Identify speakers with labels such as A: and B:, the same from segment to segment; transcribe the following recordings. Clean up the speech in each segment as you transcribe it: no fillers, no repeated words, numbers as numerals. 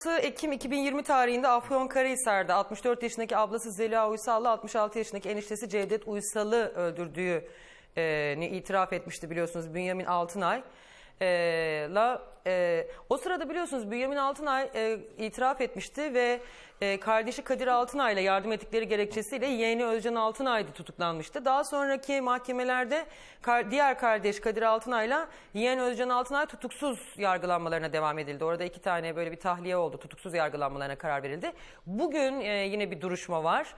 A: Ekim 2020 tarihinde Afyonkarahisar'da 64 yaşındaki ablası Zeliha Uysal'la 66 yaşındaki eniştesi Cevdet Uysal'ı öldürdüğünü itiraf etmişti biliyorsunuz Bünyamin Altınay. O sırada biliyorsunuz Bünyamin Altınay itiraf etmişti ve kardeşi Kadir Altınay ile yardım ettikleri gerekçesiyle yeğeni Özcan Altınay da tutuklanmıştı. Daha sonraki mahkemelerde diğer kardeş Kadir Altınay ile yeğen Özcan Altınay tutuksuz yargılanmalarına devam edildi. Orada 2 tane böyle bir tahliye oldu. Tutuksuz yargılanmalarına karar verildi. Bugün yine bir duruşma var.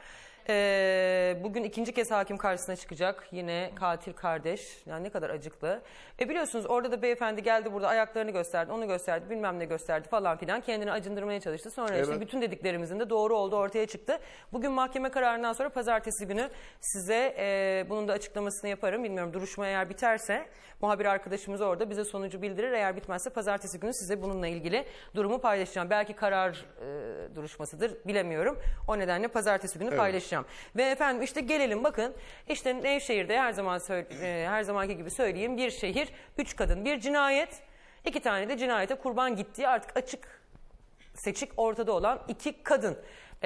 A: Bugün ikinci kez hakim karşısına çıkacak yine katil kardeş. Yani ne kadar acıklı. Biliyorsunuz orada da beyefendi geldi burada ayaklarını gösterdi, onu gösterdi, bilmem ne gösterdi falan filan. Kendini acındırmaya çalıştı. Sonra işte bütün dediklerimizin de doğru olduğu ortaya çıktı. Bugün mahkeme kararından sonra pazartesi günü size bunun da açıklamasını yaparım. Bilmiyorum, duruşma eğer biterse muhabir arkadaşımız orada bize sonucu bildirir. Eğer bitmezse pazartesi günü size bununla ilgili durumu paylaşacağım. Belki karar duruşmasıdır, bilemiyorum. O nedenle pazartesi günü paylaşacağım. Ve efendim işte gelelim bakın. İşte Nevşehir'de her zamanki gibi söyleyeyim, bir şehir, 3 kadın, bir cinayet, 2 tane de cinayete kurban gittiği artık açık seçik ortada olan 2 kadın.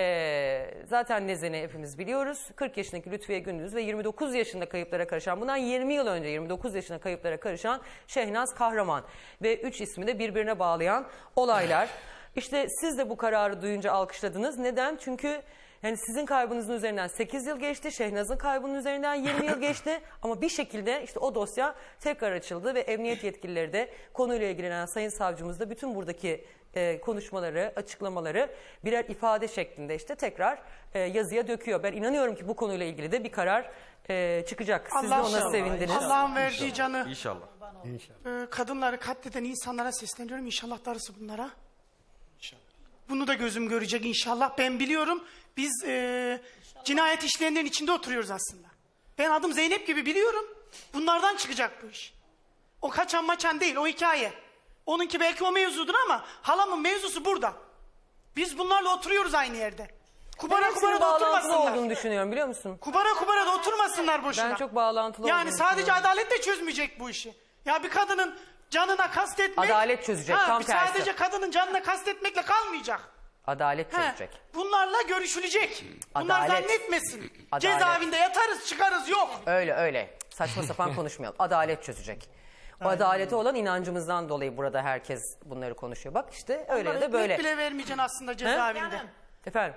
A: Zaten Nezen'i hepimiz biliyoruz. 40 yaşındaki Lütfiye Gündüz ve 29 yaşında kayıplara karışan, bundan 20 yıl önce 29 yaşında kayıplara karışan Şehnaz Kahraman ve 3 ismi de birbirine bağlayan olaylar. İşte siz de bu kararı duyunca alkışladınız. Neden? Çünkü yani sizin kaybınızın üzerinden 8 yıl geçti, Şehnaz'ın kaybının üzerinden 20 yıl geçti ama bir şekilde işte o dosya tekrar açıldı ve emniyet yetkilileri de konuyla ilgilenen sayın savcımız da bütün buradaki konuşmaları, açıklamaları birer ifade şeklinde işte tekrar yazıya döküyor. Ben inanıyorum ki bu konuyla ilgili de bir karar çıkacak. Siz de ona sevindiniz.
B: Allah'ın verdiği canı.
C: İnşallah.
B: Kadınları katleden insanlara sesleniyorum. İnşallah darısı bunlara. İnşallah. Bunu da gözüm görecek inşallah. Ben biliyorum. Biz cinayet işleyenlerin içinde oturuyoruz aslında. Ben adım Zeynep gibi biliyorum. Bunlardan çıkacak bu iş. O kaçan maçan değil, o hikaye. Onunki belki o mevzudur ama halamın mevzusu burada. Biz bunlarla oturuyoruz aynı yerde. Kubara kubara da oturmasınlar.
A: Olduğunu düşünüyorum, biliyor musun?
B: Kubara da oturmasınlar boşuna.
A: Ben çok bağlantılı
B: yani
A: olduğunu
B: sadece adalet de çözmeyecek bu işi. Ya bir kadının canına kastetmek...
A: Adalet çözecek, tam tersi.
B: Sadece kadının canına kastetmekle kalmayacak.
A: Adalet çözecek.
B: Bunlarla görüşülecek. Bunlar
A: Adalet.
B: zannetmesin.
A: Adalet.
B: Cezaevinde yatarız çıkarız yok.
A: Öyle. Saçma sapan konuşmayalım. Adalet çözecek. O adalete olan inancımızdan dolayı burada herkes bunları konuşuyor. Bak işte öyle
B: Onlara
A: de böyle.
B: ekmek bile vermeyeceksin aslında cezaevinde.
D: Canım,
A: Efendim,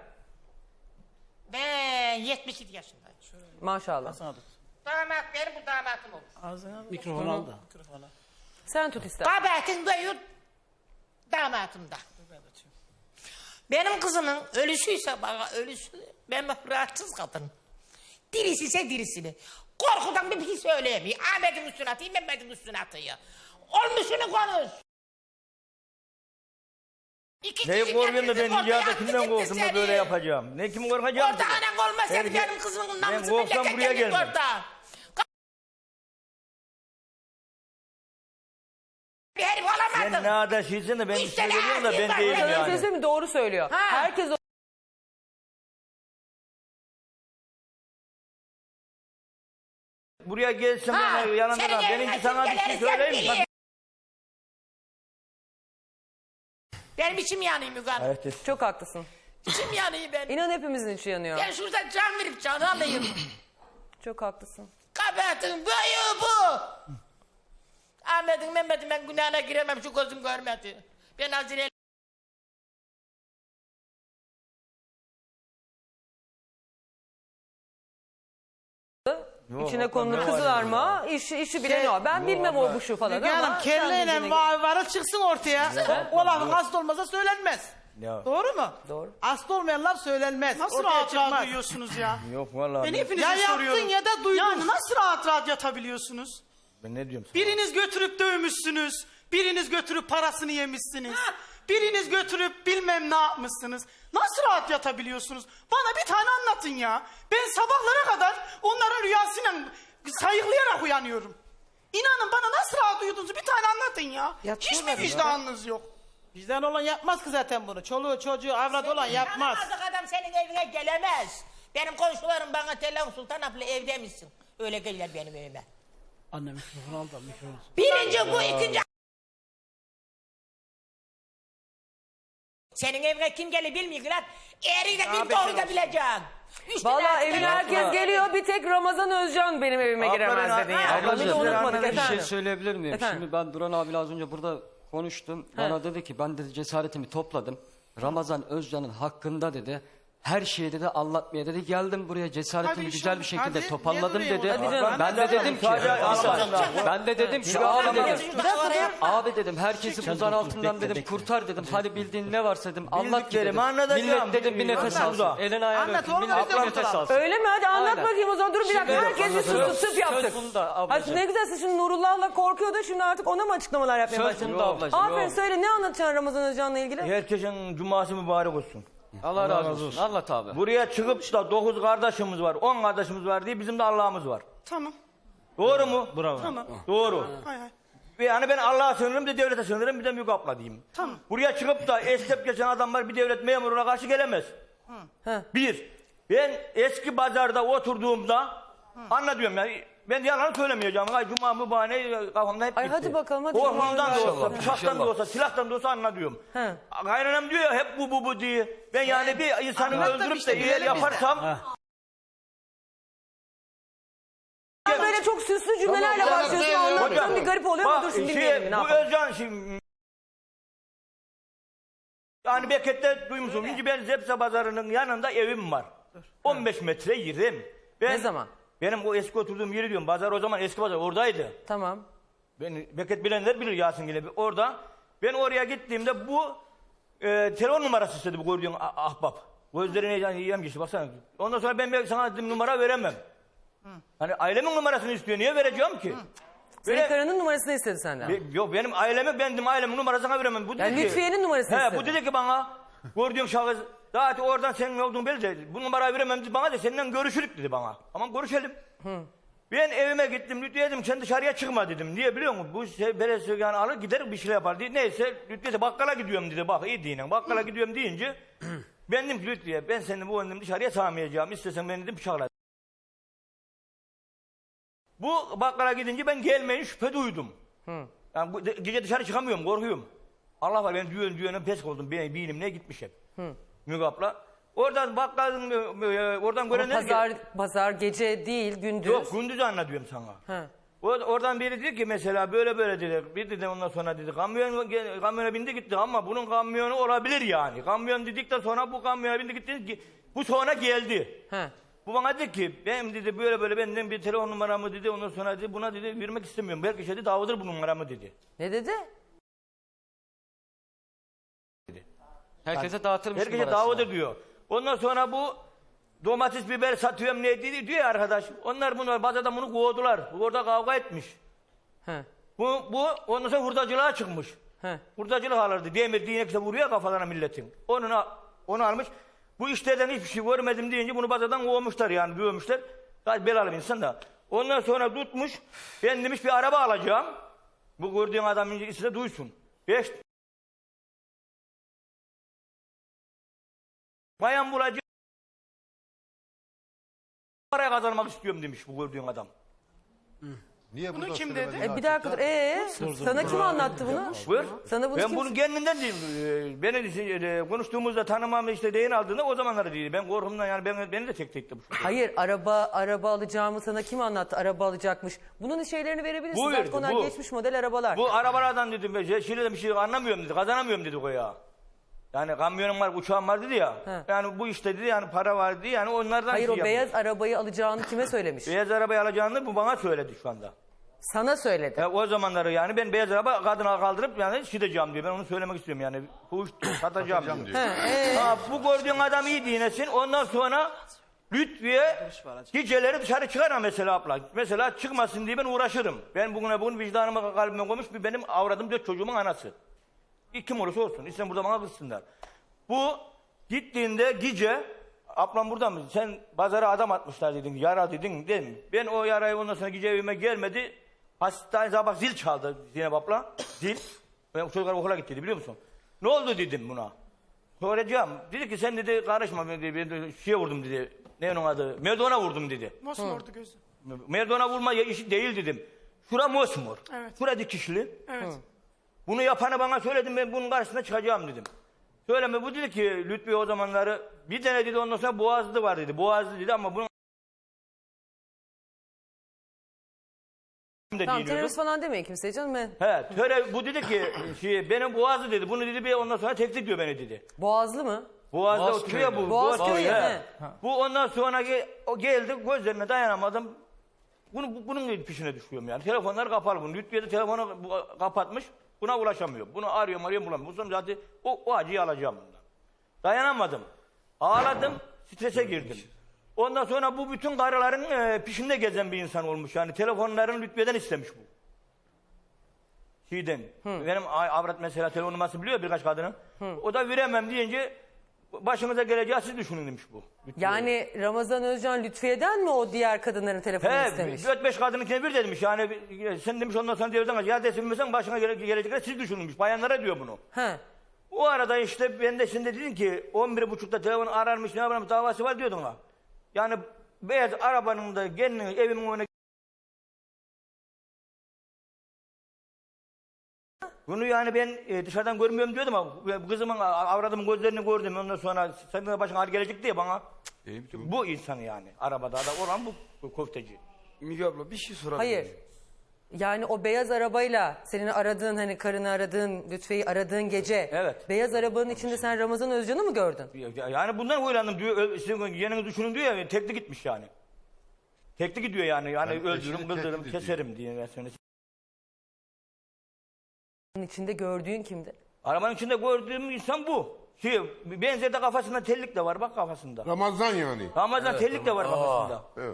D: ben 72 yaşındayım.
A: maşallah.
D: Damat benim, bu damatım olur.
C: Mikrofon aldı.
A: Sen tut ister.
D: Kabahatin büyür damatımda. Benim kızımın ölüsüyse bana ölüsü, ben rahatsız kadın. Dirisi ise dirisini. Korkudan bir şey söyleyemiyor. Ahmet'in üstüne atayım, Mehmet'in üstüne atıyor. Olmuşunu konuş.
E: Neyi korkuyorum da ben dünyada kimden korktum da böyle yapacağım? Ne kim korkacağım?
D: Orada anan olmasaydı benim kızımın namusu
E: korksam buraya gelmem.
D: orada. Bir herif olamadın.
E: Sen ne adaşıysın da ben bir şey geliyorum da ben değilim
A: Sana
E: yani.
A: söyleyeyim mi? Doğru söylüyor. Herkes
E: Buraya gelsin bana yanında da benimki sana bir şey söyleyeyim mi?
D: Benim içim yanıyor Müge Hanım.
E: Evet.
A: çok haklısın.
D: İçim yanıyor benim.
A: İnan hepimizin içi yanıyor.
D: Ben şurada can verip canı alayım.
A: Çok haklısın.
D: Kabahatin büyüğü bu. Ahmet'in Mehmet'in ben günahına giremem, şu gözüm görmedi. Ben Hazire
A: İçine konulu kızılarma, işi bilen o. Ben bilmem o bu şu falan
F: Müge
A: ama.
F: Hanım
A: sen bildiğine
F: kelleyle
A: göre-
F: varı çıksın ortaya. O lafın aslı olmasa söylenmez.
E: Ya.
F: Doğru mu?
A: Doğru.
F: Aslı olmayan laf söylenmez.
B: Nasıl
F: Ortaya
B: rahat rahat
F: çıkmaz.
B: duyuyorsunuz ya?
E: Yok vallahi.
B: Ben
E: Ben,
B: hepinize
F: Ya yaptın
B: soruyorum.
F: ya da duydun.
B: Yani nasıl rahat rahat yatabiliyorsunuz?
E: ben ne diyorum sana?
B: Biriniz götürüp dövmüşsünüz. Biriniz götürüp parasını yemişsiniz. Biriniz götürüp bilmem ne yapmışsınız. Nasıl rahat yatabiliyorsunuz? Bana bir tane anlatın ya. Ben sabahlara kadar onların rüyasıyla sayıklayarak uyanıyorum. İnanın bana nasıl rahat uyuduğunuzu bir tane anlatın ya. Hiç mi vicdanınız yok?
F: Bizden olan yapmaz ki zaten bunu. Çoluğu çocuğu avrat olan yapmaz.
D: tanımazlık adam senin evine gelemez. Benim komşularım bana telefon Sultan abla evde misin? Öyle gelirler benim evime.
C: Anne mikrofon aldı mikrofon.
D: Birinci bu, ikinci Senin evine kim gelir bilmiyorlar. Eğriyle bir doğru da bileceksin.
A: Vallahi evine herkes geliyor, bir tek Ramazan Özcan benim evime giremez dedin yani.
E: Ablacığım,
A: Bunu da unutmadık
E: bir
G: Bir şey
A: efendim.
G: söyleyebilir miyim?
A: Efendim?
G: Şimdi ben Duran abiyle az önce burada konuştum. Bana dedi ki ben dedi cesaretimi topladım. Ramazan Özcan'ın hakkında dedi. Her şeyi dedi anlatmaya dedi. Geldim buraya cesaretimi
B: Hadi
G: güzel bir
B: inşallah.
G: şekilde
B: Hadi,
G: toparladım
B: niye
G: dedi.
B: buraya
A: Hadi canım.
G: Ben de dedim ki ben de dedim ki abi dedim. Abi dedim herkesi buzan altından dedim kurtar dedim. Hadi bildiğin ne varsa dedim anlat ki dedim.
E: Bildiklerimi anlatacağım.
G: Millet dedim bir nefes
E: Anlat.
G: alsın. Elini ayağını
F: Anlat
G: öpsün.
F: oğlum,
G: Millet
F: öyle
G: bir
F: mi?
G: nefes alsın.
A: Öyle mi? Hadi anlat
G: Aynen.
A: bakayım o zaman. Dur bir dakika.
G: Şimdi-
A: Herkes bir
G: Söz-
A: sus yaptık.
G: söz bunda
A: Ha,
G: ablacığım.
A: ne güzel, siz şimdi Nurullah'la korkuyordu. Şimdi artık ona mı açıklamalar yapmaya
G: Söz
A: başladın?
G: bunda ablacığım.
A: Aferin,
G: yok.
A: söyle, ne anlatacaksın Ramazan Özcan'la ilgili?
E: Herkesin cuması mübarek olsun.
G: Allah razı olsun. Anlat abi.
E: Buraya çıkıp da 9 kardeşimiz var, 10 kardeşimiz var diye bizim de Allah'ımız var.
B: Tamam.
E: Doğru mu?
B: Tamam.
E: Doğru.
B: Hay hay.
E: Yani ben Allah'a sığınırım, bir de devlete sığınırım, bir de Müge abla diyeyim.
B: Tamam.
E: Buraya çıkıp da esnep geçen adamlar bir devlet memuruna karşı gelemez.
A: He.
E: Bir, ben eski pazarda oturduğumda anlatıyorum yani. Ben yalan söylemeyeceğim. Ay cuma mübarek kafamda hep
A: Ay
E: gitti.
A: hadi bakalım, hadi.
E: Korkumdan da olsa,
G: İnşallah,
E: bıçaktan da
G: inşallah.
E: olsa, silahtan da olsa anlatıyorum.
A: He.
E: Kaynanam diyor ya hep bu diye. Ben yani bir insanı
F: Anlat da
E: öldürüp
F: işte,
E: de eğer
F: bilelim biz de.
E: yaparsam...
A: Sen böyle çok süslü cümlelerle başlıyorsun, anlattığın bir garip oluyor ama dur şimdi dinleyelim. Ne
E: bu
A: yapalım?
E: Özcan şimdi... Yani Beket'te duymuşsun. Şimdi ben Zepse Pazarı'nın yanında evim var. 15 metre yerim.
A: Ne zaman?
E: Benim o eski oturduğum yeri diyorum. Pazar o zaman eski pazar oradaydı.
A: Tamam.
E: Ben Beket bilenler bilir Yasin gibi. Orada ben oraya gittiğimde bu telefon numarası istedi bu gördüğün ahbap. Gözlerine yiyem geçti baksana. Ondan sonra ben sana dedim numara veremem. Hani ailemin numarasını istiyor. Niye vereceğim ki?
A: Senin
E: Böyle-
A: karının numarasını istedi senden.
E: Yok benim ailemi bendim ailemin numarasını veremem. Bu dedi
A: Yani
E: ki,
A: Lütfiye'nin numarasını
E: he,
A: istedi.
E: bu dedi ki bana gördüğün şahıs zaten oradan senin olduğun belli de bu numarayı veremem dedi bana da seninle görüşürük dedi bana. Aman görüşelim. Ben evime gittim Lütfiye dedim sen dışarıya çıkma dedim. Niye biliyor musun? Bu belediye yani alır gider bir şeyler yapar diye. Neyse Lütfiye de bakkala gidiyorum dedi. Bak iyi dinle bakkala gidiyorum deyince ben dedim ki Lütfiye ben seni bu önüm dışarıya sağmayacağım. İstesen beni dedim bıçakla. Bu bakkala gidince ben gelmeyin şüphe duydum. Yani gece dışarı çıkamıyorum, korkuyorum. Allah var ben düğünün pes oldum. Ben bilimle gitmiş hep. Müge abla. Oradan bakkalın, oradan
A: Ama
E: görenler...
A: pazar gece değil, gündüz.
E: Yok gündüz anlatıyorum sana.
A: He.
E: Oradan biri dedi ki mesela böyle dedi. Bir dedi ondan sonra dedi kamyona bindi gitti ama bunun kamyonu olabilir yani. Kamyon dedikten sonra bu kamyona bindi gitti. Bu sonra geldi.
A: He.
E: Bu bana dedi ki benim dedi böyle benden bir telefon numaramı dedi ondan sonra dedi buna dedi vermek istemiyorum. Belki şey dedi davadır bu numaramı dedi.
A: Ne dedi?
G: Herkese dağıtırmış
E: Herkese
G: numarasını.
E: davadır diyor. Ondan sonra bu domates biber satıyorum ne dedi diyor ya arkadaş. Onlar bunu pazarda bunu kovdular. Orada kavga etmiş.
A: He.
E: Bu ondan sonra hurdacılığa çıkmış.
A: He.
E: Hurdacılık alırdı. Demir dinekse vuruyor kafalarına milletin. Onu almış. Bu işlerden hiçbir şey görmedim deyince bunu pazardan kovmuşlar yani dövmüşler. Gayet belalı bir insan da. Ondan sonra tutmuş. Ben demiş bir araba alacağım. Bu gördüğün adamın ismi de duysun. 5 bayan bulacağım. Paraya kazanmak istiyorum demiş bu gördüğün adam.
H: Niye
B: Bunu
H: burada
B: kim
H: söylemedin
B: dedi?
A: Bir dakika dur. Sana kim anlattı bunu?
E: Buyur.
A: Sana bunu
E: Ben
A: kim...
E: bunu kendinden değil. Beni konuştuğumuzda tanımam işte değin aldığında o zamanları değil. Ben korkumdan yani beni de tek bu.
A: Hayır, araba alacağımı sana kim anlattı? Araba alacakmış. Bunun şeylerini verebilirsin.
E: Bu
A: Zaten
E: verdi,
A: onlar
E: bu.
A: geçmiş model arabalar.
E: Bu arabalardan dedim ben Şile'de bir şey anlamıyorum dedi. Kazanamıyorum dedi o ya. Yani kamyonum var, uçağım var dedi ya.
A: He.
E: Yani bu işte dedi yani para var dedi yani onlardan
A: Hayır,
E: şey
A: o
E: yapıyor.
A: beyaz arabayı alacağını kime söylemiş?
E: Beyaz arabayı alacağını bu bana söyledi şu anda.
A: Sana söyledi.
E: O zamanları yani ben beyaz araba kadına kaldırıp yani şideceğim diyor. Ben onu söylemek istiyorum yani. Bu satacağım diyor. Ha, bu gördüğün adam iyi dinesin. Ondan sonra Lütfiye geceleri dışarı çıkar mesela abla. Mesela çıkmasın diye ben uğraşırım. Ben bugün vicdanıma kalbime koymuş bir benim avradım 4 çocuğumun anası. Kim olursa olsun. İşte burada bana kızsınlar. Bu gittiğinde gece ablam burada mı? Sen pazara adam atmışlar dedin. Yara dedin değil mi? Ben o yarayı ondan sonra gece evime gelmedi. Hastane sabah zil çaldı Zeynep abla. Zil. Ben çocuklar okula gittiydi biliyor musun? Ne oldu dedim buna. Soracağım. Dedi ki sen dedi karışma dedi. Ben de şeye vurdum dedi. Ne onun adı? Merdona vurdum dedi.
B: Mosmordu gözü.
E: Merdona vurma işi değil dedim. Şura mosmor.
B: Evet.
E: Şura dikişli.
B: Evet.
E: Bunu yapanı bana söyledim ben bunun karşısına çıkacağım dedim. Söyleme bu dedi ki Lütfi o zamanları bir tane dedi ondan sonra Boğazlı var dedi. Boğazlı dedi ama bunun
A: Tamam
E: dinliyordum.
A: terörist falan demeyin kimseye canım.
E: Bu dedi ki benim Boğazlı dedi. Bunu dedi bir ondan sonra tehdit diyor beni dedi.
A: Boğazlı mı?
E: Boğaz'da oturuyor bu.
A: Boğaz
E: köyü,
A: köyü, he.
E: Bu ondan sonra o geldi gözlerine dayanamadım. Bunun peşine düşüyorum yani. Telefonlar kapalı bunun. Lütfiye de telefonu kapatmış. Buna ulaşamıyor. Bunu arıyorum bulamıyorum. Bu sonra zaten o acıyı alacağım bundan. Dayanamadım. Ağladım. Strese girdim. Ondan sonra bu bütün karıların peşinde gezen bir insan olmuş. Yani telefonlarını Lütfiye'den istemiş bu. Benim avrat mesela telefon numarası biliyor birkaç kadının. O da veremem deyince başınıza geleceği siz düşünün demiş bu. Lütfiye'ye.
A: Yani Ramazan Özcan Lütfiye'den mi o diğer kadınların telefonunu istemiş?
E: 4-5 kadınınkine bir demiş yani sen demiş ondan sonra devreden ya desin başına gelecekler siz düşünülmüş. Bayanlara diyor bunu.
A: He.
E: O arada işte ben de şimdi dedim ki 11.30'da telefon ararmış ne yaparmış davası var diyordun ha. Yani beyaz arabanın da gelinin evimin önüne bunu yani ben dışarıdan görmüyorum diyordum ama kızımın avradımın gözlerini gördüm ondan sonra senin de başına ağrı gelecek diye bana bu insan yani arabada da olan bu köfteci.
I: Müge abla bir şey sorabilir
A: Hayır.
I: miyim?
A: Yani o beyaz arabayla senin aradığın hani karını aradığın Lütfiye'yi aradığın gece
E: Evet.
A: beyaz arabanın içinde sen Ramazan Özcan'ı mı gördün?
E: Yani bundan huylandım diyor sizin yeninizi düşünün diyor ya tekli gitmiş yani. Tekli gidiyor yani öldürürüm kıldırırım keserim diye.
A: Onun içinde gördüğün kimdi?
E: Arabanın içinde gördüğüm insan bu. Benzerde kafasında tellik de var bak kafasında.
H: Ramazan yani.
E: Ramazan tellik de var kafasında.
H: Evet.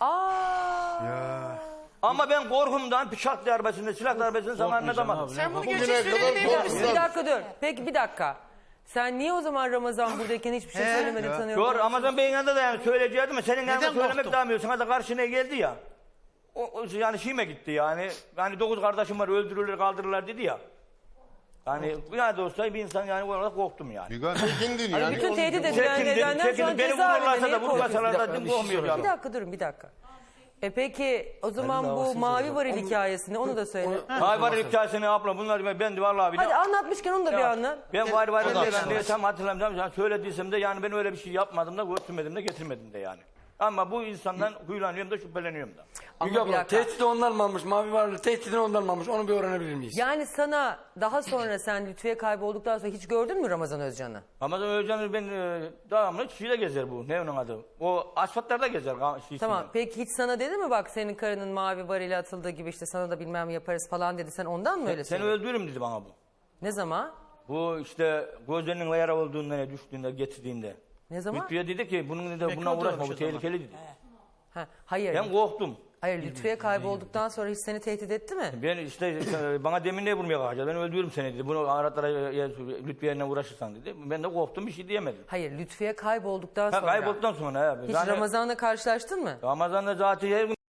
E: Ama ben korkumdan bıçak darbesinde, silah darbesinde zamanına damadım.
B: Sen bunu
H: Bugüne
B: gerçek
H: kadar
B: söyleyemeyebilir
H: korkmuş.
B: misin?
A: Bir dakika dur. Peki bir dakika. Sen niye o zaman Ramazan buradayken hiçbir şey söylemedin tanıyorum?
E: Doğru Ramazan Bey'in yanında da yani söyleyecektim ama senin yanında
B: Neden
E: söylemek
B: korktun?
E: daha sana da karşına geldi ya. O yani şeyime gitti yani. Yani 9 kardeşim var öldürürler kaldırırlar dedi ya. Yani ne de olsa bir insan yani olarak korktum yani.
H: Müge çekindin yani.
A: Bütün tehdit edilen nedenden sonra
E: Çekindim. Beni
A: cezaevinde
E: vururlarsa
A: niye
E: da vurmasalar da
A: korkuyorsun?
E: korkmuyor
A: Bir
E: yani.
A: dakika durun bir dakika. Peki o zaman bu mavi varil hikayesini onu da söyle.
E: Hay var hikayesini abla bunlar ben de vallahi bir de.
A: Hadi anlatmışken onu da bir anlat.
E: Ben var ben de tam hatırlamıyorum. Yani söylediysem de yani ben öyle bir şey yapmadım da götürmedim de getirmedim de yani. Ama bu insandan huylanıyorum da şüpheleniyorum da.
I: Müge
A: Ama bir
I: abla
A: dakika.
I: tehdidi ondan mı almış? Mavi varlığı tehdidini ondan mı almış? Onu bir öğrenebilir miyiz?
A: Yani sana daha sonra sen Lütfiye kaybolduktan sonra hiç gördün mü Ramazan Özcan'ı?
E: Ramazan Özcan ben devamlı şeyde gezer bu. Ne onun adı? O asfaltlarda gezer.
A: Tamam peki hiç sana dedi mi bak senin karının mavi varili atıldığı gibi işte sana da bilmem yaparız falan dedi. Sen ondan mı öyle
E: Seni
A: söyledin?
E: öldürürüm dedi bana bu.
A: Ne zaman?
E: Bu işte gözlerinin yara olduğunda düştüğünde getirdiğinde.
A: Ne zaman?
E: Lütfiye dedi ki bunun dedi bununla uğraşma bu tehlikeli dedi.
A: Ha, hayır.
E: Ben korktum.
A: Hayır Lütfiye kaybolduktan sonra hiç seni tehdit etti mi?
E: Ben işte bana demin ne vurmaya kalkacağız? Ben öldürürüm seni dedi. Bunu Aratlara Lütfiye'yle uğraşırsan dedi. Ben de korktum bir şey diyemedim.
A: Hayır Lütfiye kaybolduktan sonra.
E: Kaybolduktan sonra.
A: Hiç Ramazan'la karşılaştın mı?
E: Ramazan'da zaten her gün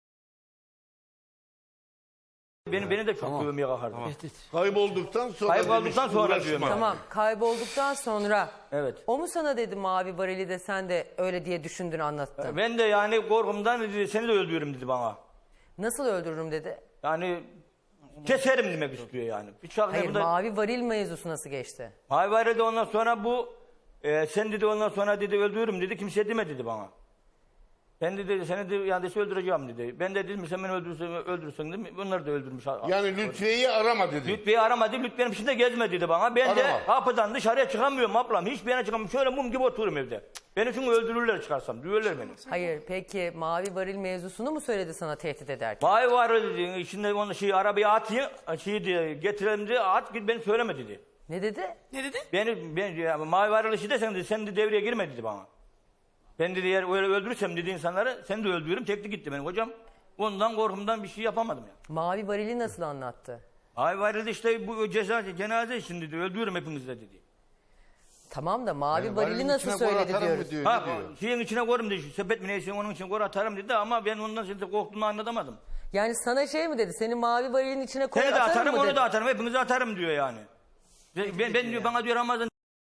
E: beni de çok dövmeye kalkardı.
H: Kaybolduktan sonra
E: Kaybolduktan
H: demiş,
E: sonra
H: uğraşma.
E: diyorum ya.
A: Tamam kaybolduktan sonra.
E: Evet.
A: O mu sana dedi mavi varili de sen de öyle diye düşündün anlattın.
E: Ben de yani korkumdan dedi, seni de öldürürüm dedi bana.
A: Nasıl öldürürüm dedi.
E: Yani keserim demek istiyor yani.
A: Hayır mavi varil mevzusu nasıl geçti?
E: Hayvare de ondan sonra bu sen dedi ondan sonra dedi öldürürüm dedi kimse demedi dedi bana. Ben dedi seni de yani öldüreceğim dedi. Ben de dedim sen beni öldürürsen dedim. Bunları da öldürmüş.
H: Yani Lütfiye'yi arama dedi.
E: Lütfiye'yi aramadı. Lütfiye'nin peşinde gezme dedi bana. Ben de
H: Arama.
E: kapıdan dışarıya çıkamıyorum ablam. Hiçbir yere çıkamıyorum. Şöyle mum gibi otururum evde. Beni çünkü öldürürler çıkarsam. Duyuyorlar beni.
A: Hayır peki mavi varil mevzusunu mu söyledi sana tehdit ederken?
E: Vay var dedi. İçinde onu arabaya atayım. Getirelim diye at git beni söyleme dedi.
A: Ne dedi?
B: Ne dedi?
E: Ben mavi varlığı işi de sen de devreye girme dedi bana. Ben dedi eğer öyle öldürürsem dedi insanları seni de öldürürüm. Tekli gitti benim hocam. Ondan korkumdan bir şey yapamadım ya.
A: Mavi varili nasıl anlattı?
E: Mavi varlığı işte bu cenaze için dedi. Öldürürüm hepinizi de dedi.
A: Tamam da mavi
H: Yani
A: varili
H: varılın
A: nasıl
H: içine
A: söyledi
H: koy atarım
A: diyoruz.
H: mı diyor,
E: Ha,
H: ne diyor?
E: şeyin içine koyarım dedi. Sepet mi neyse onun için koy atarım dedi ama ben ondan şimdi korktuğumu anlatamadım.
A: Yani sana şey mi dedi? Senin mavi varilin içine koy
E: Seni de
A: atarım
E: atarım
A: mı
E: onu
A: dedi?
E: da atarım hepinizi atarım diyor yani. Ben diyor bana diyor Ramazan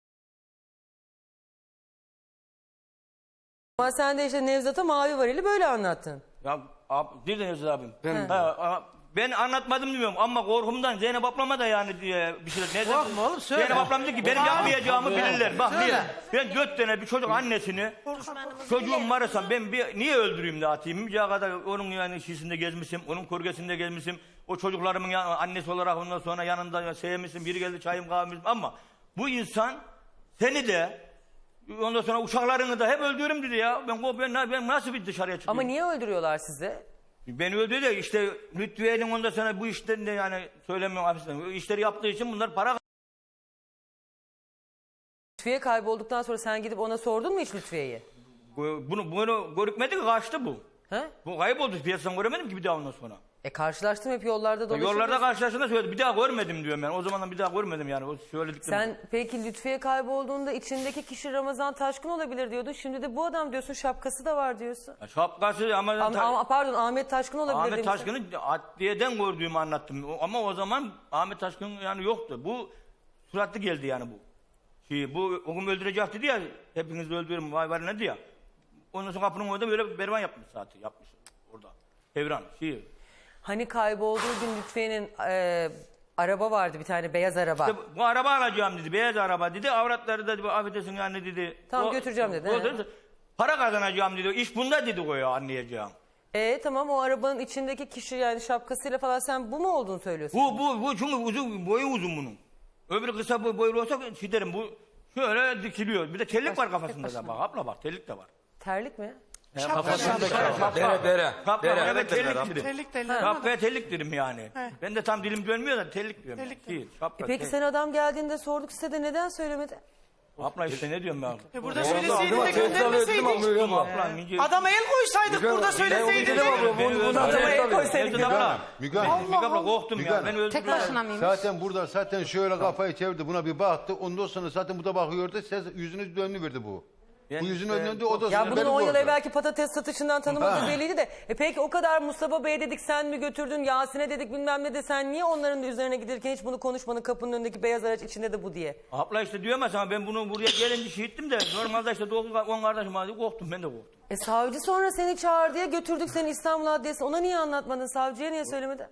A: Ama sen de işte Nevzat'a mavi varili böyle anlattın.
E: ya dediniz abim.
I: Ben-
E: Ben anlatmadım diyorum ama korkumdan Zeynep ablama da yani diye bir şey. Neden?
F: Korkma oğlum, söyle.
E: Zeynep ablam dedi ki benim yapmayacağımı bilirler. Bak
F: Söyle.
E: ben 4 tane bir çocuk annesini çocuğum varsa ben niye öldüreyim de atayım? Bir kadar onun yani şişinde gezmişim, onun kurgesinde gezmişim. O çocuklarımın annesi olarak ondan sonra yanında sevmişim. Biri geldi çayım kahvem ama bu insan seni de ondan sonra uşaklarını da hep öldürürüm dedi ya. Ben nasıl bir dışarıya çıkayım?
A: Ama niye öldürüyorlar sizi?
E: Beni öldürdü de işte Lütfiye'nin ondan sonra bu işten de yani söylemiyorum hafiften. Bu işleri yaptığı için bunlar para.
A: Lütfiye kaybolduktan sonra sen gidip ona sordun mu hiç Lütfiye'yi?
E: Bunu görükmedi ki kaçtı bu.
A: He?
E: Bu kayboldu piyasadan göremedim ki bir daha ondan sonra.
A: Karşılaştım hep yollarda dolaşıyordun.
E: Yollarda karşılaştığında söyledi bir daha görmedim diyorum ben. O zamandan bir daha görmedim yani. O söylediklerim.
A: Sen peki Lütfiye kaybolduğunda içindeki kişi Ramazan Taşkın olabilir diyordun. Şimdi de bu adam diyorsun, şapkası da var diyorsun.
E: Şapkası ama
A: Pardon, Ahmet Taşkın olabilir
E: Ahmet
A: demişsin.
E: Taşkın'ı adliyeden gördüğümü anlattım. Ama o zaman Ahmet Taşkın yani yoktu. Bu suratlı geldi yani bu. Bu o gün öldürecek dedi ya. Hepinizi öldürürüm vay var ne diyor. Ondan sonra kapının orada böyle berban yapmış zaten. Yapmış orada. Evran.
A: Hani kaybolduğu gün Lütfiye'nin araba vardı, bir tane beyaz araba.
E: İşte bu araba alacağım dedi. Beyaz araba dedi. Avratları da affedersin yani dedi.
A: Tamam, götüreceğim dedi, he.
E: Para kazanacağım dedi. İş bunda dedi o ya anlayacağım.
A: Tamam, o arabanın içindeki kişi yani şapkasıyla falan sen bu mu olduğunu söylüyorsun?
E: Bu çünkü uzun, boyu uzun bunun. Öbürü kısa boylu olsa derim bu şöyle dikiliyor. Bir de terlik var kafasında da bak abla bak terlik de var.
A: Terlik mi?
I: Dere.
E: Evet terlik dedim.
B: Terlik de
E: Şapkaya terlik dedim yani. Ben de tam dilim dönmüyor da terlik diyorum.
B: Terlik
E: Değil, şapka,
A: Peki sen adam geldiğinde sorduk size de neden söylemedi?
E: Abla işte ne diyorum ben?
B: Burada söyleseydin de göndermeseydik. Adama el koysaydık burada söyleseydin.
A: Adama el koysaydık.
H: Müge Hanım.
E: Müge abla korktum ya. Ben öldüm.
J: Tek başına mıymış?
H: Zaten şöyle kafayı çevirdi buna bir baktı. Ondan sonra zaten bu da bakıyordu. Yüzünü dönüverdi bu. Bu yüzünü döndü o da
A: Ya bunun 10 yıl evvelki patates satışından tanımadığı belliydi de. Peki o kadar Mustafa Bey dedik, sen mi götürdün, Yasin'e dedik bilmem ne de, sen niye onların da üzerine giderken hiç bunu konuşmanın, kapının önündeki beyaz araç içinde de bu diye?
E: Abla işte diyorum ya sana ben bunu buraya gelince şehittim de normalde işte 10 kardeşim vardı korktum ben de korktum.
A: Savcı sonra seni çağır diye götürdük seni İstanbul Adliyesi'ne, ona niye anlatmadın, savcıya niye söylemedin?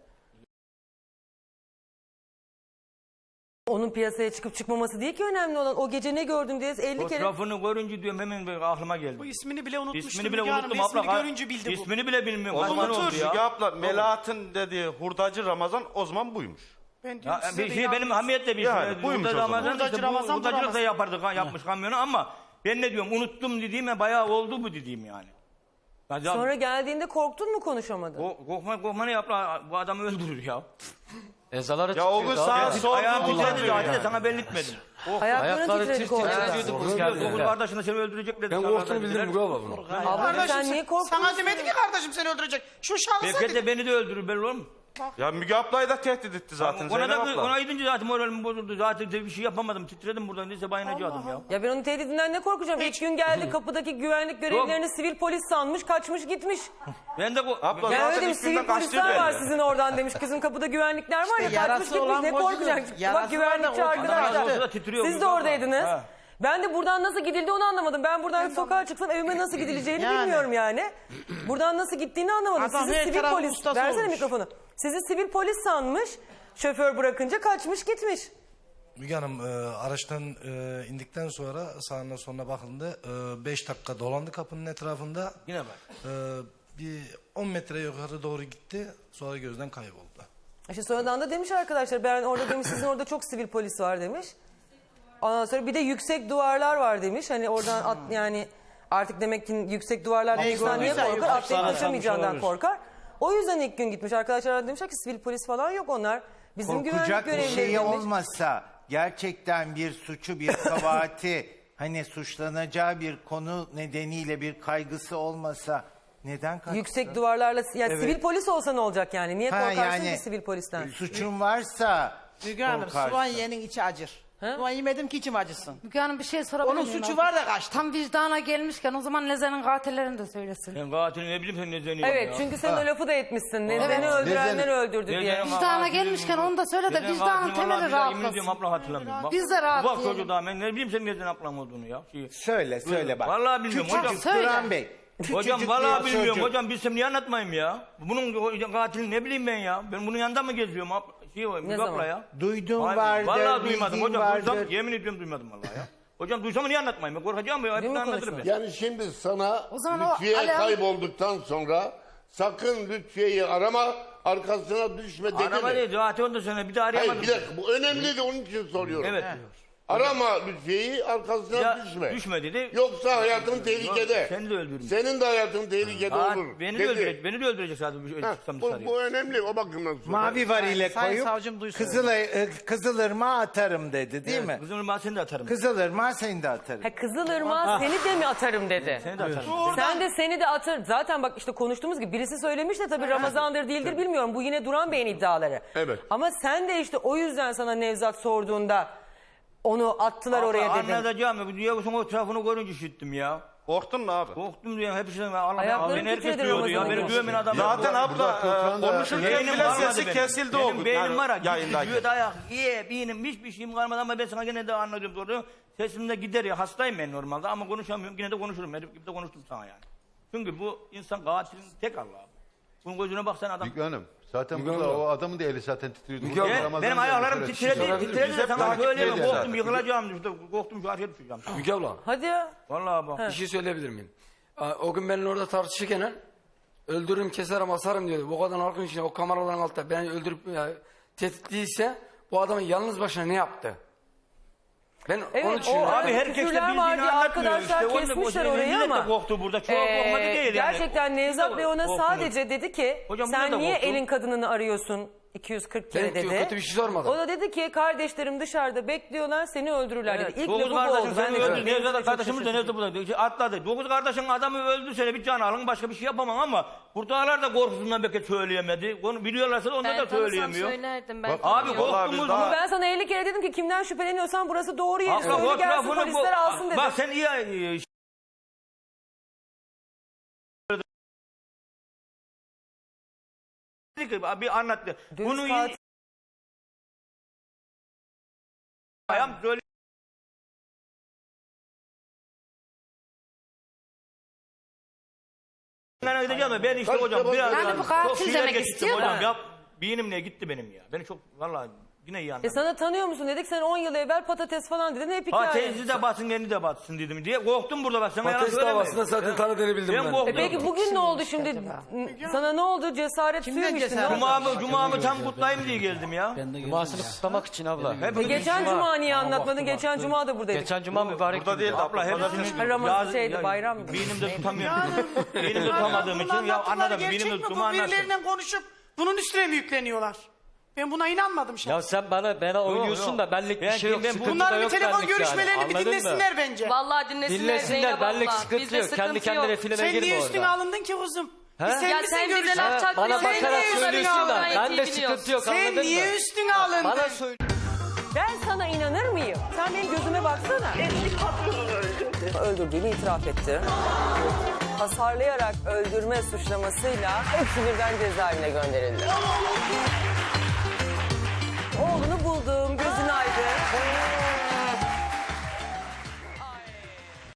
A: Onun piyasaya çıkıp çıkmaması değil ki önemli olan, o gece ne gördün diye 50 kere...
E: Fotoğrafını görünce diyorum hemen aklıma geldi.
B: Bu ismini bile unutmuştum.
E: İsmini bile
B: Müge Hanım.
E: unuttum abla.
B: İsmini görünce bildi bu.
E: İsmini bile bilmiyorum.
K: O zaman
E: oldu ya.
K: Müge abla Melahat'ın dediği hurdacı Ramazan o zaman buymuş.
B: Ben diyorum
E: Ya,
B: size de
E: benim
B: yalnız-
E: hamiyetle bir
K: Yani, buymuş o zaman.
B: Hurdacı Ramazan bu
E: hurdacılık da
B: Ramazan.
E: yapardık yapmış kamyonu ama ben ne diyorum unuttum dediğime bayağı oldu bu dediğim yani.
A: Sonra geldiğinde korktun mu, konuşamadın?
E: Korkma ne yapla bu adamı öldürür ya.
G: Ezaları
K: Ya o gün
G: çıkıyordu
K: sağa
G: abi.
K: sordum.
E: Ayağım titredi
K: diyor
E: zaten
K: yani.
E: de sana belli etmedim.
A: Ayakların
G: Ayakları
A: titredi korkudan.
G: titriyordu.
E: Dokuz kardeşine seni öldürecek dedi.
I: Ben
E: sana
I: korktuğunu
E: dediler.
I: bildim Müge abla bunu.
A: Abla
B: Kardeşim
A: sen niye korktun?
B: Sana demedi ki kardeşim seni öldürecek. Şu şahısa
E: Belki
B: dedi.
E: de beni de öldürür belli olur mu?
K: Ya Müge ablayı da tehdit etti zaten
E: Ona
K: Zeynep
E: da
K: abla.
E: ona gidince zaten moralim bozuldu. Zaten de bir şey yapamadım. Titredim buradan. Neyse bayınacaktım ya.
A: Ya ben onun tehdidinden ne korkacağım? İlk gün geldi, kapıdaki güvenlik görevlilerini sivil polis sanmış, kaçmış gitmiş.
E: Ben de
K: Abla
A: Ya
K: zaten
A: öyle demiş,
K: ilk günden
A: sivil polisler
K: kaçtıydı
A: var
K: elde.
A: sizin oradan demiş. Kızın kapıda güvenlikler var ya,
F: İşte
A: kaçmış
F: yarası
A: gitmiş,
F: olan
A: ne
F: bozulur.
A: korkacak?
F: Yarası
A: Bak güvenlikçi
F: var da o-
A: arkadaşlar.
E: Orada titriyor
A: Siz de
E: burada.
A: oradaydınız.
E: Ha.
A: Ben de buradan nasıl gidildi onu anlamadım. Ben buradan sokağa çıksam evime nasıl gidileceğini
F: Yani.
A: bilmiyorum yani. Buradan nasıl gittiğini anlamadım.
F: Adam
A: Sizi
F: her
A: sivil
F: tarafın
A: polis,
F: ustası
A: versene
F: olmuş.
A: mikrofonu. Sizi sivil polis sanmış, şoför bırakınca kaçmış gitmiş.
L: Müge Hanım araçtan indikten sonra sağına soluna bakıldı. 5 dakika dolandı kapının etrafında.
E: Yine bak.
L: Bir 10 metre yukarı doğru gitti. Sonra gözden kayboldu.
A: İşte sonradan da demiş arkadaşlar, ben orada demiş sizin orada çok sivil polis var demiş. Ondan sonra bir de yüksek duvarlar var demiş. Hani oradan yani artık demek ki yüksek duvarlardan insan niye
F: gördüyse
A: korkar? Atlayıp
F: sana
A: kaçamayacağından
F: olabilir.
A: korkar. O yüzden ilk gün gitmiş. Arkadaşlar demişler ki sivil polis falan yok, onlar bizim güvenlik
M: Korkacak bir
A: görevlileri
M: şey
A: demiş.
M: olmasa, gerçekten bir suçu, bir kabahati, hani suçlanacağı bir konu nedeniyle bir kaygısı olmasa neden kaçsın?
A: Yüksek duvarlarla, yani
M: Evet.
A: sivil polis olsa ne olacak yani? Niye
M: Ha,
A: korkarsın
M: yani
A: ki sivil polisten?
M: Suçun varsa
F: Müge Hanım
M: korkarsın.
F: soğan yenin içi acır. Soğan yemedim ki içim acısın.
J: Müge Hanım bir şey sorabilir
F: Onun
J: miyim?
F: suçu var da kaçtı.
J: Tam vicdana gelmişken o zaman Nezen'in katillerini de söylesin.
E: Ben katilini ne bileyim sen ne zeniyorsun
A: Evet,
E: ya.
A: çünkü sen o lafı da etmişsin. Neden'i öldürenler öldürdü diye.
E: Nezen'in
J: Vicdana
E: katilini
J: gelmişken
E: bilmiyorum.
J: onu da söyle de
E: Nezen'in
J: vicdanın
E: katilini
J: temeli
E: vallahi billahi yemin
J: rahatlasın.
E: ediyorum abla hatırlamıyorum. Bak,
J: Biz de rahatlayalım.
E: Bak çocuğu daha ben ne bileyim senin Nezen ablam olduğunu ya.
M: söyle bak.
E: Vallahi bilmiyorum
M: Küçücük
E: hocam.
J: Söyle.
M: Duran Bey,
E: Hocam
M: Küçücük
E: vallahi
M: bir
E: bilmiyorum.
M: çocuk.
E: Hocam bilsem niye anlatmayayım ya? Bunun katilini ne bileyim ben ya? Ben bunun yanında mı geziyorum? Müge abla ya.
M: Duyduğun
E: Vallahi
M: vardır,
E: duymadım
M: bildiğin
E: hocam.
M: vardır.
E: Duysam, yemin ediyorum duymadım vallahi ya. Hocam duysam niye anlatmayayım? Ben korkacağım ya. Hepsini anlatırım ben.
N: Yani şimdi sana
J: O zaman o
N: Lütfiye
J: alarm-
N: kaybolduktan sonra sakın Lütfiye'yi arama, arkasına düşme dedi
E: Arama
N: mi?
E: değil. Zaten ondan sonra bir daha arayamadım.
N: Hayır bir dakika, bu önemli de onun için soruyorum.
E: Evet.
N: Arama Lütfiye'yi, arkasına
E: Ya,
N: düşme.
E: düşme dedi.
N: Yoksa hayatın tehlikede.
E: Seni de öldürürüm.
N: Senin de hayatın tehlikede olur.
E: Beni de
N: dedi.
E: öldürecek. Beni de öldürecek zaten.
N: Ha,
E: Çıksam
N: bu,
E: dışarıya.
N: bu önemli o bakımdan sonra.
M: Mavi var ile
F: Sayın
M: koyup
F: savcım duysun.
M: Kızılırmağa atarım dedi değil mi?
E: Kızım ben seni de atarım.
M: Kızılırmağa seni de atarım.
A: Ha, Kızılırmağa seni de mi atarım dedi.
E: Seni de atarım.
A: Sen de seni de atar. Zaten bak işte konuştuğumuz gibi birisi söylemiş de tabii Ramazan'dır değildir bilmiyorum. Bu yine Duran Bey'in iddiaları.
N: Evet.
A: Ama sen de işte o yüzden sana Nevzat sorduğunda onu attılar oraya dedin.
E: Anlatacağım ya. Diyavuz'un o tarafını görünce işittim ya.
K: Korktun mu abi?
E: Korktum diye hepsine Allah
A: Ayaklarım
E: beni herkes
A: titredi
E: duyuyordu ya.
A: Ramazan'ın
E: Beni duymayan adam.
K: Zaten abla konuşurken
E: Beynim
K: bile
E: kalmadı
K: sesi
E: benim.
K: kesildi
E: Benim
K: o.
E: beynim var ya.
K: Yayındayken.
E: Gidiyor dayak. Beynim hiçbir şeyim kalmadı ama ben sana gene de anlatıyorum doğru. Sesim de gider ya. Hastayım ben normalde ama konuşamıyorum. Yine de konuşurum. Ben de konuştum sana yani. Çünkü bu insan katilin tek Allah'ı. Bunun gözüne baksana adam.
H: Müge Hanım zaten burada o adamın da eli zaten titriyordu.
I: Müge
H: Burada
I: abla,
H: Ramazan'ın
E: Benim
H: da eli
E: ayaklarım
H: şöyle
E: titredi. Titredi de sana söyleyemem.
H: ediyor
E: Korktum
H: zaten.
E: yıkılacağım. Korktum şu arkaya düşeceğim.
I: Müge abla
A: Hadi ya.
E: Vallahi bak.
I: bir şey söyleyebilir miyim? O gün benimle orada tartışırken öldürürüm keserim asarım diyordu. Bu kadar halkın içinde o kameraların altında beni öldürüp tehdit değilse bu adamın yalnız başına ne yaptı? Ben onu
A: Evet,
I: düşünüyorum.
A: o
E: Abi herkes de
A: küfürler
E: bildiğini
A: var diye
E: anlatmıyor
A: arkadaşlar
E: işte. Onu da
A: kesmişler
E: boşuna
A: orayı
E: millet de
A: ama.
E: korktu burada. Çok korkmadı değil yani.
A: Gerçekten Nevzat Bey ona
E: Korktunuz.
A: sadece dedi ki
E: Hocam buna da
A: sen niye
E: korktum.
A: elin kadınını arıyorsun 240 kere
I: Ben
A: dedi.
I: kötü bir şey sormadım.
A: O da dedi ki kardeşlerim dışarıda bekliyorlar seni öldürürler dedi. İlk
E: Dokuz
A: lafı bu oldu.
E: kardeşim
A: Ben
E: seni
A: de
E: öldü.
A: çok-
E: Nevzat
A: çok
E: kardeşimiz de
A: şaşırdım.
E: Nevzat burada atladı. Dokuz kardeşin adamı öldürse bir can alın başka bir şey yapamam ama buradalar da korkusundan belki söyleyemedi. Onu biliyorlarsa da onlar da söyleyemiyor.
J: söylerdim ben.
E: Abi
K: Vallahi
E: korktumuz
K: biz
E: bu.
K: daha-
A: Ama ben sana 50 kere dedim ki kimden şüpheleniyorsan burası doğru yeri
E: Haklı,
A: söyle gelsin
E: fotoğrafını
A: polisler alsın dedim.
E: Bak sen iyi bir anlattı.
A: Dürüst
E: Bunu
A: katil-
E: ayağım söyle. Ben gideceğim de ben işte hocam biraz
J: Yani bu katil
E: çok şeyler
J: demek
E: geçtim
J: istiyor
E: hocam.
J: da.
E: Ya benimle gitti benim ya. Beni çok vallahi yine iyi anladım.
A: Sana tanıyor musun dedik sen 10 yıl evvel patates falan dedin hep hikaye.
E: Patatesi de batsın kendi de batsın dedim diye korktum burada bak sana yalan
I: Patates
E: söylemedim.
I: davasında zaten tanıdığını bildim ben.
E: korktum.
A: Peki bugün ne oldu şimdi? Sana ne oldu? Cesaret suyu mu içtin?
F: cesaret?
A: Ne oldu?
E: Cuma'mı tam kutlayayım diye geldim ya.
C: Ben de geldim
G: Cumasını
C: ya.
G: kutlamak için abla.
A: Geçen cuma niye anlatmadın? Geçen cuma da buradaydık.
G: Geçen cuma mübarek.
K: Burada değil de
E: Abla
K: abla.
E: hepsini
A: Ramazan şeydi, bayramdı.
E: Beynimde tutamıyorum. Beynimde tutamadığım için ya anladım.
B: Gerçek
E: Beynimde
B: mi? Bu
E: Cuma anlattım.
B: birilerinden konuşup bunun üstüne mi yükleniyorlar? Ben buna inanmadım şimdi.
G: Ya sen bana oynuyorsun
E: yok.
G: da benlik bir
E: Ben-
G: şey yok.
E: ben-
G: Sıkıntı da
B: Bunların bir
G: yok
B: telefon
G: benlik yani.
B: görüşmelerini bir
G: Anladın mı?
B: dinlesinler bence.
J: Vallahi dinlesinler,
G: Dinlesinler
J: Zeynep
G: benlik
J: abla.
G: sıkıntı
J: Bizde
G: yok. Kendi
J: sıkıntı
G: kendine
J: yok.
G: filme
B: Sen niye
G: girme
B: üstüne
G: orada.
B: alındın ki kuzum?
G: He?
B: Sen
J: Ya
B: misin
J: sen bize
B: görüşen?
J: laf çakmıyorsun.
G: Bana
B: Sen
G: bakarak
B: niye
G: söylüyorsun
B: üstüne
G: da
B: alındın?
G: ben de sıkıntı yok
B: Sen
G: anladın mı?
B: niye üstüne alındın?
G: Bana söyle.
A: Ben sana inanır mıyım? Sen benim gözüme baksana.
O: Eski patronunu öldürdü.
A: Öldürdüğünü itiraf etti. Hasarlayarak öldürme suçlamasıyla hepsi birden cezaevine gönderildi.